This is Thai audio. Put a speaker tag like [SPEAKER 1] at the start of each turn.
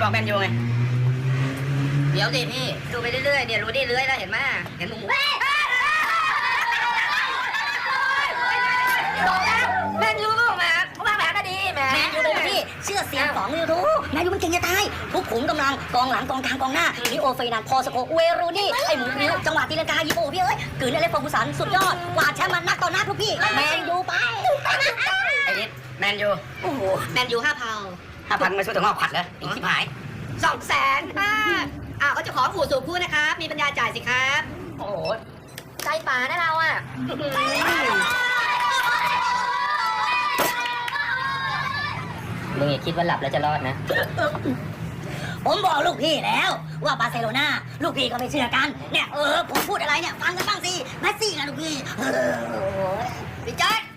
[SPEAKER 1] บอกแมนยูไงเดี๋ยวดิพี่ดูไปเรื่อยๆเนี่ยรู้ดิเรื่อยแล้วเห็นไหมเห็นหมูแมนยูก็มาเขาวางแผนก็ดีแมนยูเลยพี่เชื่อเสียงของไม่รู้แมนยูมันเก่งจะตายทุกขุมกำลังกองหลังกองกลางกองหน้าลิโอเฟนันพอสโกเวรูนี่ไอ้หมูริ้วจังหวะตีลังกายิโบพี่เอ้ยกืนอะไรฟอร์กูสันสุดยอดกวาดแชมป์มันนักต่อนักทุกพี่แมนยูไปไอ้นิดแมนยูโอ้โหแมนยู5,000ไม่ช่วยถึงงอกขัดเลยอีกที่หาย200,000เขาจะขอขู่สูบคู่นะครับมีปัญญาจ่ายสิครับโอ้โหใจป่านะเราอ่ะมึงอย่าคิดว่าหลับแล้วจะรอดนะผมบอกลูกพี่แล้วว่าบาร์เซโลนาลูกพี่ก็ไม่เชื่อกันเนี่ยผมพูดอะไรเนี่ยฟังกันบ้างสิแมสซี่นะลูกพี่พี่แจ๊ค